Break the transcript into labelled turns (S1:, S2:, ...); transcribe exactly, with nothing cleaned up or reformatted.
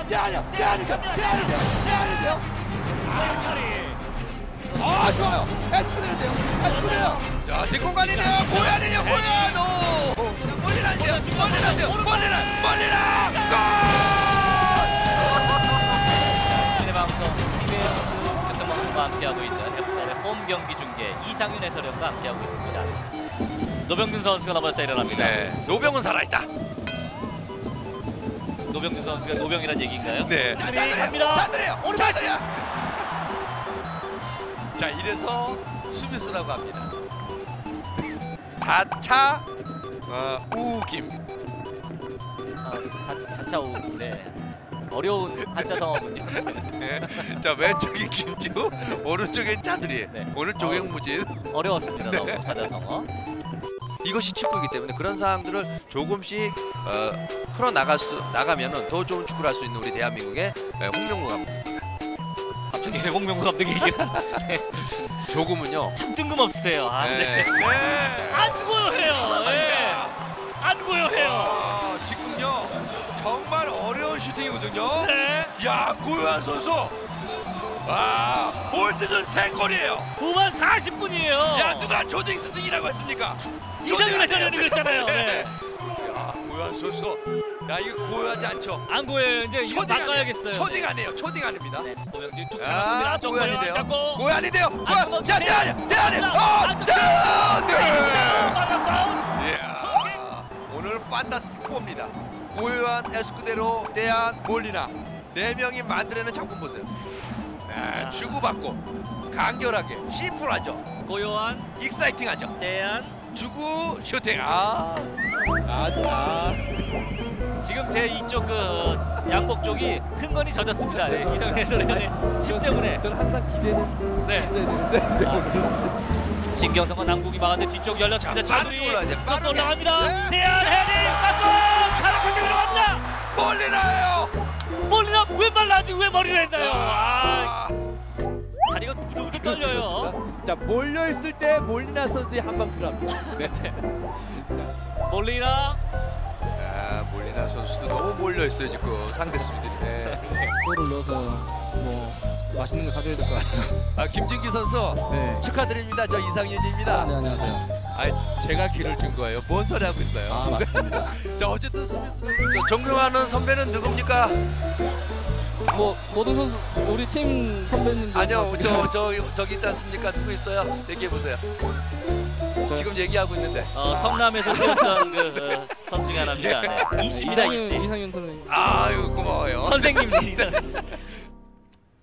S1: 내 아니야 내 아닌데요 내 아닌데요 내 아닌데요
S2: 아, 차리.
S1: 아 좋아요 에스쿠데르인데요 에스쿠데르 자 뒷공간이네요 고야네요 고야 오 멀리 나는데요 멀리 나는데요 멀리 나 멀리 나 골
S2: 시민의 방송 티비에스 교통방송과 함께하고 있는 해부산의 홈 경기 중계 이상윤 해설위원과 함께하고 있습니다. 노병균 선수가 넘어졌다 일어납니다.
S1: 네 노병은 살아있다
S2: 노병균 선수가 노병이란 얘기인가요?
S1: 네
S2: 갑니다.
S1: 잔들이에요
S2: 오른발.
S1: 잔들이야 자 이래서 수비수라고 합니다. 자차 어, 우김
S2: 아, 자, 자차오. 네. 어려운 한자 성어군요.
S1: 네. 자 왼쪽이 김지우 오른쪽엔 차들이
S2: 네.
S1: 오른쪽엔
S2: 어.
S1: 무진
S2: 어려웠습니다. 너무
S1: 네.
S2: 한자 성어.
S1: 이것이 축구이기 때문에 그런 상황들을 조금씩 어, 풀어 나갈 수 나가면은 더 좋은 축구를 할 수 있는 우리 대한민국의 네, 홍명보 감독
S2: 갑자기 홍명보 감독이 얘기를
S1: 조금은요
S2: 참 뜬금없으세요. 아, 네.
S1: 네. 네.
S2: 안 고요해요. 예. 안 고요해요.
S1: 아, 지금요 정말 어려운 슈팅이거든요.
S2: 네.
S1: 야 고요한 선수 아 올 시즌 세 골이에요.
S2: 후반 사십 분이에요.
S1: 야 누가 조딩 슈팅이라고 했습니까?
S2: 이상윤 해설위원이 그랬잖아요. 네.
S1: 야 고요한 선수 야 이거 고요하지 않죠?
S2: 안 고요해요. 이제 이거
S1: 초딩
S2: 바꿔야겠어요.
S1: 아니에요. 초딩 아니에요. 초딩 아닙니다.
S2: 네. 고명진 툭
S1: 아
S2: 잡았습니다. 안쪽
S1: 고요
S2: 고요
S1: 아닌데요.
S2: 안 잡고.
S1: 고요 아닌데요. 고요
S2: 안쪽
S1: 야내 아니야 내 아니야. 아 네. 이야 오늘 판타스틱 포입니다. 고요한 에스쿠데로 대한 몰리나 네 명이 만들어낸 작품 보세요. 네, 주고받고 간결하게 심플하죠.
S2: 고요한
S1: 익사이팅하죠.
S2: 대한
S1: 주고 슈팅 아, 아, 아.
S2: 지금 제 이쪽 그 양복 쪽이 흥건히 젖었습니다. 네, 이상윤 해설위원의 침 때문에.
S3: 저는 항상 기대는
S2: 네.
S3: 있어야 되는데 네,
S2: 아.
S3: 오늘은
S2: 진경성과 남국이 막았는데 뒤쪽 열렸습니다.
S1: 자,
S2: 차두리
S1: 빠르게 올라가야 돼,
S2: 크로스
S1: 빠르게.
S2: 올라갑니다.
S1: 네.
S2: 대한 헤딩 맞고 가는 공격으로 갑니다.
S1: 몰리나요.
S2: 몰리나 왼발 나지 왜 머리를 했나요? 아,
S1: 아,
S2: 다리가 부들부들 떨려요.
S3: 그렇습니다. 자 몰려 있을 때 몰리나 선수의 한 방 필요합니다. 네.
S2: 몰리나
S1: 아 몰리나 선수도 너무 몰려 있어요 지금 상대 수비들이. 네.
S4: 골을 넣어서 뭐 맛있는 거 사줘야 될 거 아니에요.
S1: 아 김진기 선수
S3: 네.
S1: 축하드립니다. 저 이상윤입니다.
S4: 네, 안녕하세요.
S1: 아 제가 기를 준 거예요. 뭔 소리 하고 있어요?
S4: 아 맞습니다.
S1: 자 어쨌든 수비수는 저 존경하는 선배는 누굽니까?
S4: 뭐 모든 선수 우리 팀 선배님들
S1: 아니요
S4: 다
S1: 저 저 저기 있지 않습니까? 누구 있어요? 얘기해 보세요.
S4: 저-
S1: 지금 얘기하고 있는데.
S2: 어, 성남에서 뛰었던 그 어, 선수 중에 하나입니다. 네. 이십니다
S4: 이상윤
S2: 이십.
S4: 이상윤 선생님.
S1: 아유 고마워요.
S2: 선생님 이상.